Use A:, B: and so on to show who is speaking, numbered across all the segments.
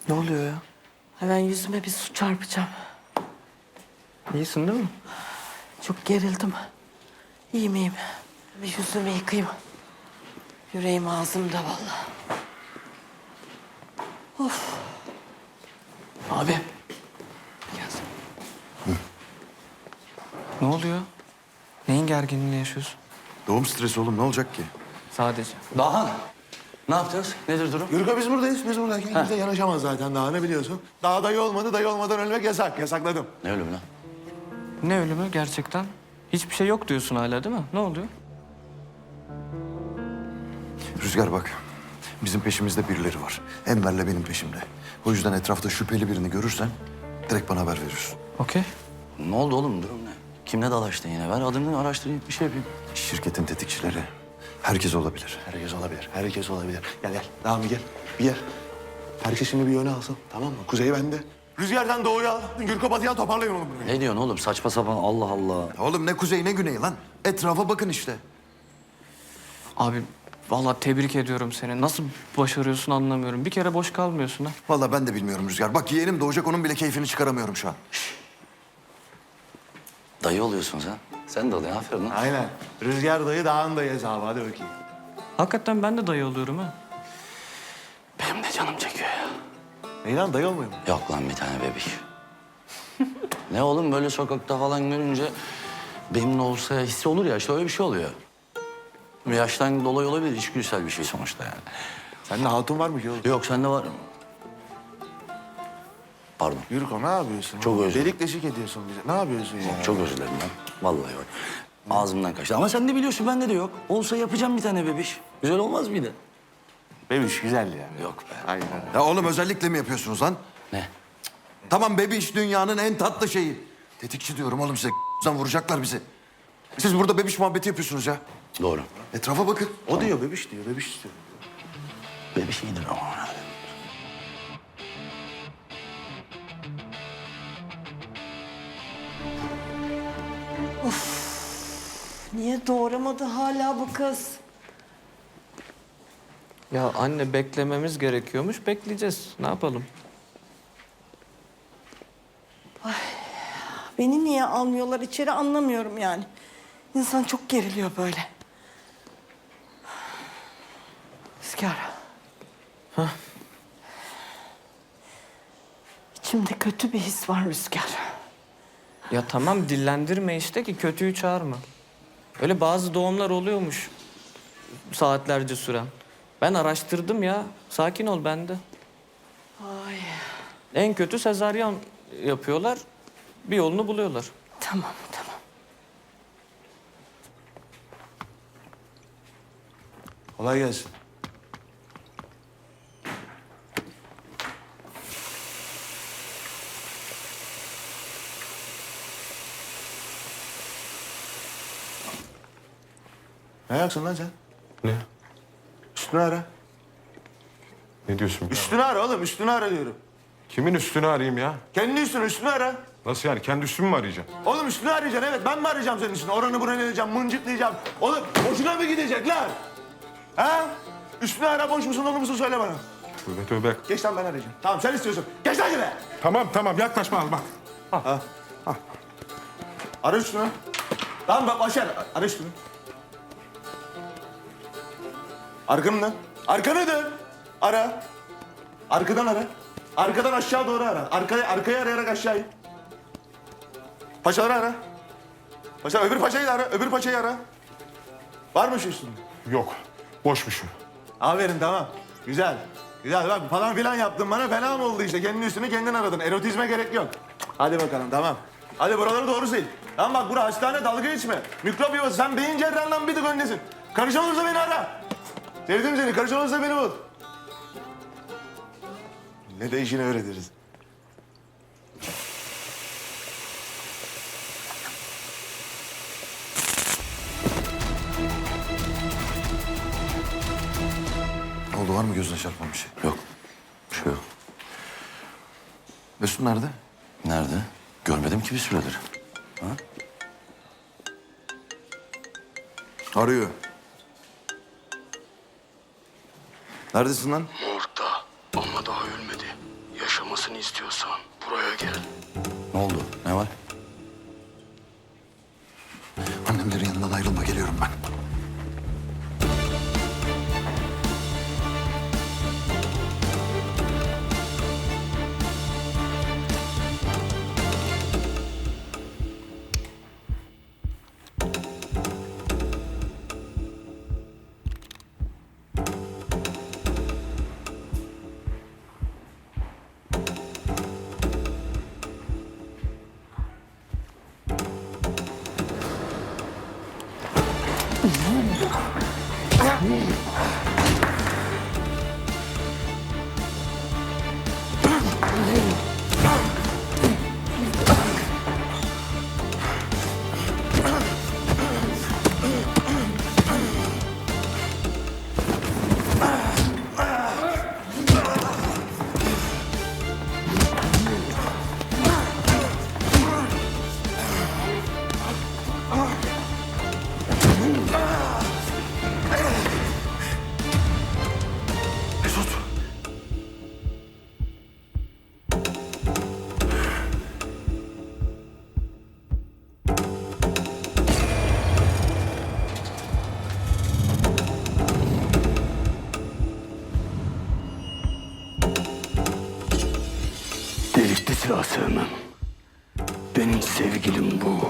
A: Ne oluyor ya?
B: Hemen yüzüme bir su çarpacağım.
A: İyisin değil mi?
B: Çok gerildim. İyi miyim? Bir yüzümü yıkayayım. Yüreğim ağzımda vallahi.
A: Abi. Gel. Ne oluyor? Neyin gerginliğini yaşıyorsun?
C: Doğum stresi oğlum, ne olacak ki?
A: Sadece.
D: Dahan, ne yapacağız? Nedir durum?
E: Yürüka biz buradayız. Biz buradayken kimse yanaşamaz zaten daha ne biliyorsun? Daha dayı olmadı, dayı olmadan ölmek yasak. Yasakladım.
D: Ne ölümü lan?
A: Ne ölümü gerçekten? Hiçbir şey yok diyorsun hala değil mi? Ne oluyor?
C: Rüzgar bak, bizim peşimizde birileri var. Enver'le benim peşimde. O yüzden etrafta şüpheli birini görürsen direkt bana haber veriyorsun.
A: Okey.
D: Ne oldu oğlum, durum ne? Kimle dalaştın yine? Ben adımını araştırayım, bir şey yapayım.
C: Şirketin tetikçileri herkes olabilir.
E: Herkes olabilir, herkes olabilir. Gel gel, daha mı gel? Bir gel. Herkes şimdi bir yöne alsın, tamam mı? Kuzey bende. Rüzgardan doğuya al, Gürko batıya toparlayın oğlum burayı.
D: Ne diyorsun oğlum? Saçma sapan, Allah Allah.
C: Oğlum ne kuzey ne güney lan. Etrafa bakın işte.
A: Abi vallahi tebrik ediyorum seni. Nasıl başarıyorsun anlamıyorum. Bir kere boş kalmıyorsun ha.
C: Vallahi ben de bilmiyorum Rüzgar. Bak yeğenim doğacak, onun bile keyfini çıkaramıyorum şu an.
D: Dayı oluyorsun sen. Sen de oluyorsun, aferin lan.
E: Aynen. Rüzgar dayı, dağın dayı hesabı. Hadi bakayım.
A: Hakikaten ben de dayı oluyorum ha.
D: Benim de canım çekiyor ya.
E: Ney lan, dayı olmuyor mu?
D: Yok lan bir tane bebek. Ne oğlum, böyle sokakta falan görünce benimle olsa hissi olur ya, işte öyle bir şey oluyor. Yaştan dolayı olabilir, içgüdüsel bir şey sonuçta yani.
E: Sende hatun var mı ki oğlum?
D: Yok, sende var mı? Pardon.
E: Gürko ne yapıyorsun?
D: Çok özür dilerim.
E: Delik deşik ediyorsun bize. Ne yapıyorsun ya?
D: Çok özür dilerim ben. Vallahi bak. Ağzımdan kaçtı. Ama sen de biliyorsun, bende de yok. Olsa yapacağım bir tane bebiş. Güzel olmaz mıydı?
E: Bebiş güzel ya.
D: Yok be.
E: Aynen.
C: Ya oğlum özellikle mi yapıyorsunuz lan?
D: Ne?
C: Tamam bebiş dünyanın en tatlı şeyi. Tetikçi diyorum oğlum size. Vuracaklar bizi. Siz burada bebiş muhabbeti yapıyorsunuz ya.
D: Doğru.
C: Etrafa bakın.
E: O diyor bebiş diyor, bebiş istiyor.
D: Bebiş iyidir ama.
B: Niye doğuramadı hala bu kız?
A: Ya anne beklememiz gerekiyormuş. Bekleyeceğiz. Ne yapalım?
B: Beni niye almıyorlar içeri anlamıyorum yani. İnsan çok geriliyor böyle. Rüzgar. İçimde kötü bir his var Rüzgar.
A: Ya tamam dillendirme işte ki kötüyü çağırma. Öyle bazı doğumlar oluyormuş. Saatlerce süren. Ben araştırdım ya. Sakin ol bende.
B: Ay
A: En kötü sezaryen yapıyorlar. Bir yolunu buluyorlar.
B: tamam tamam.
E: Kolay gelsin. Ne ayaksın lan sen?
F: Ne?
E: Üstünü ara.
F: Ne diyorsun?
E: Üstünü ara oğlum, üstünü ara diyorum.
F: Kimin üstünü arayayım ya?
E: Kendi üstünü ara.
F: Nasıl yani? Kendi üstümü mü arayacağım?
E: Oğlum üstünü arayacaksın, evet. Ben mi arayacağım senin üstünü? Oranı buranı arayacağım, mıncıklayacağım. Oğlum boşuna mı gidecekler? Ha? Üstünü ara, boş musun, dolu musun söyle bana.
F: Tövbe tövbe.
E: Geç lan, ben arayacağım. Tamam, sen istiyorsun. Geç lan yine.
F: Tamam yaklaşma al bak.
E: Ara üstünü. Tamam bak, Başar. Ara üstünü. Arkanı dön. Arkanı dön. Ara. Arkadan ara. Arkadan aşağı doğru ara. Arkayı arayarak aşağı in. Paşaları ara. Paşa, öbür paşayı da ara. Öbür paşayı ara. Var mı şu üstünde?
F: Yok. Boşmuşum.
E: Aferin, tamam. Güzel. Güzel bak, falan filan yaptın bana, fena mı oldu işte? Kendi üstünü kendin aradın. Erotizme gerek yok. Hadi bakalım, tamam. Hadi buraları doğru sil. Tamam bak, bura hastane, dalga geçme. Mikrop yuvası, sen beyin cerrahından bir tık öndesin. Karışan olursa beni ara. Sevdim seni, karışan olursa beni bul. Ne de işini öğretiriz.
C: Ne oldu, var mı gözüne çarpan bir şey?
D: Yok. Bir şey yok.
C: Mesut nerede?
D: Nerede? Görmedim ki bir süredir.
C: Arıyor. Neredesin lan?
G: Morgda ama daha ölmedi. Ya
D: olmasını istiyorsan buraya gel. Ne oldu? Ne var?
C: Annemlerin yanından ayrılma, geliyorum ben. Mesut!
D: Delikli silah sevmem. Benim sevgilim bu.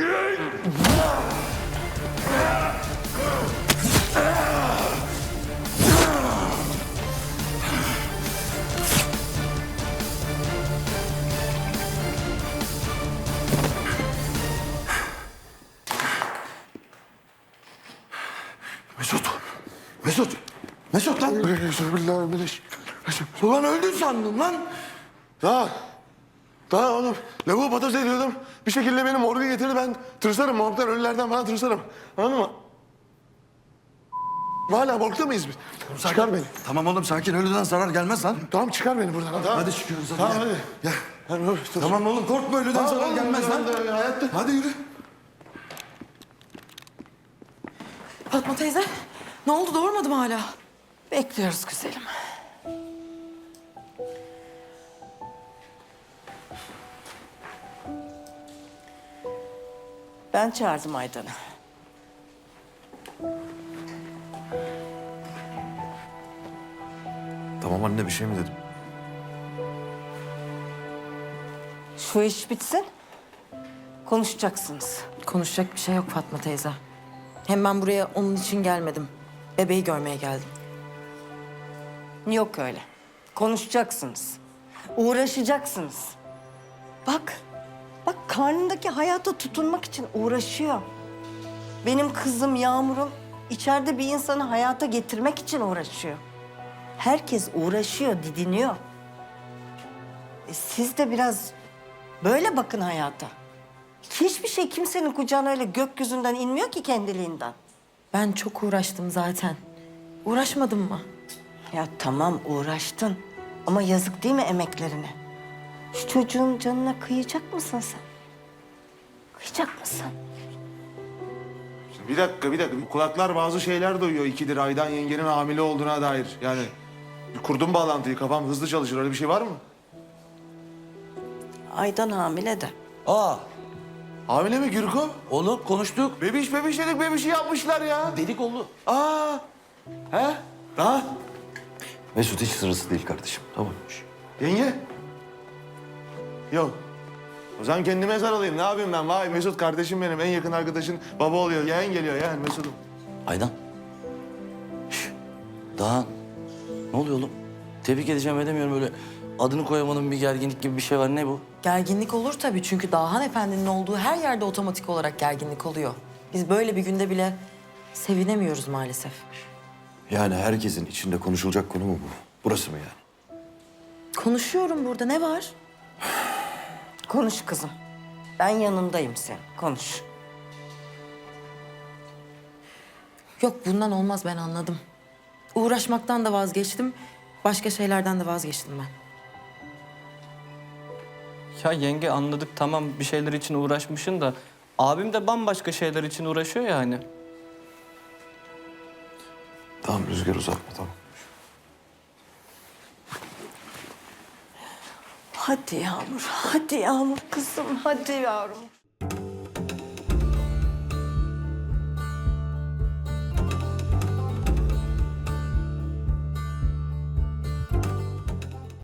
C: Mesut! Mesut! Mesut lan! Ulan öldün sandım lan!
E: Daha oğlum lavuğu patates ediyordum. Bir şekilde beni morga getirdi. Ben tırsarım morgdan, ölülerden falan tırsarım. Anladın mı? Hala morgda mıyız biz? Çıkar beni.
C: Tamam oğlum, sakin. Ölüden zarar gelmez lan.
E: Tamam çıkar beni buradan. Tamam.
C: Hadi çıkıyoruz hadi.
E: Tamam
C: gel.
E: hadi.
C: Gel.
E: Hadi, dur.
C: Tamam oğlum, korkma, ölüden
E: Tamam
C: zarar
E: oğlum,
C: gelmez lan.
E: ben de hayatta.
C: Hadi yürü.
G: Fatma teyze, ne oldu? Doğurmadı mı hala?
B: Bekliyoruz güzelim. Ben çağırdım Aydan'ı.
C: Tamam anne, bir şey mi dedim?
B: Şu iş bitsin. Konuşacaksınız.
G: Konuşacak bir şey yok Fatma teyze. Hem ben buraya onun için gelmedim. Bebeği görmeye geldim.
B: Yok öyle. Konuşacaksınız. Uğraşacaksınız. Bak. Bak karnındaki hayata tutunmak için uğraşıyor. Benim kızım Yağmur'um içeride bir insanı hayata getirmek için uğraşıyor. Herkes uğraşıyor, didiniyor. Siz de biraz böyle bakın hayata. Hiçbir şey kimsenin kucağına öyle gökyüzünden inmiyor ki kendiliğinden.
G: Ben çok uğraştım zaten. Uğraşmadım mı?
B: Ya tamam uğraştın ama yazık değil mi emeklerine? Şu çocuğun canına kıyacak mısın sen? Kıyacak mısın?
E: Bir dakika. Kulaklar bazı şeyler duyuyor. İkidir Aydan yengenin hamile olduğuna dair. Yani kurdum bağlantıyı. Kafam hızlı çalışır. Öyle bir şey var mı?
B: Aydan hamile de.
D: Aa,
E: Hamile mi Gürko?
D: oğlum konuştuk.
E: Bebiş dedik. Bebişi yapmışlar ya.
D: Dedik oldu.
E: Aa. He? Ha?
C: Mesut hiç sırası değil kardeşim. Tamam.
E: Yenge? Yok. O zaman kendime sarılayım. Ne yapayım ben? Vay Mesut kardeşim benim. En yakın arkadaşın baba oluyor. Yeğen geliyor yeğen Mesut'um.
D: Aydan. Şş, Dağhan. Ne oluyor oğlum? Tebrik edeceğim edemiyorum böyle. Adını koyamadığım bir gerginlik gibi bir şey var. Ne bu?
G: Gerginlik olur tabii çünkü Dağhan Efendi'nin olduğu her yerde otomatik olarak gerginlik oluyor. Biz böyle bir günde bile sevinemiyoruz maalesef.
C: Yani herkesin içinde konuşulacak konu mu bu? Burası mı yani?
G: Konuşuyorum burada, ne var?
B: Konuş kızım. Ben yanındayım sen. Konuş.
G: Yok bundan olmaz, ben anladım. Uğraşmaktan da vazgeçtim, başka şeylerden de vazgeçtim ben.
A: Ya yenge anladık tamam bir şeyler için uğraşmışsın da abim de bambaşka şeyler için uğraşıyor ya hani.
C: Tamam Rüzgar, uzatma tamam.
B: Hadi Yağmur, hadi Yağmur kızım, hadi yavrum.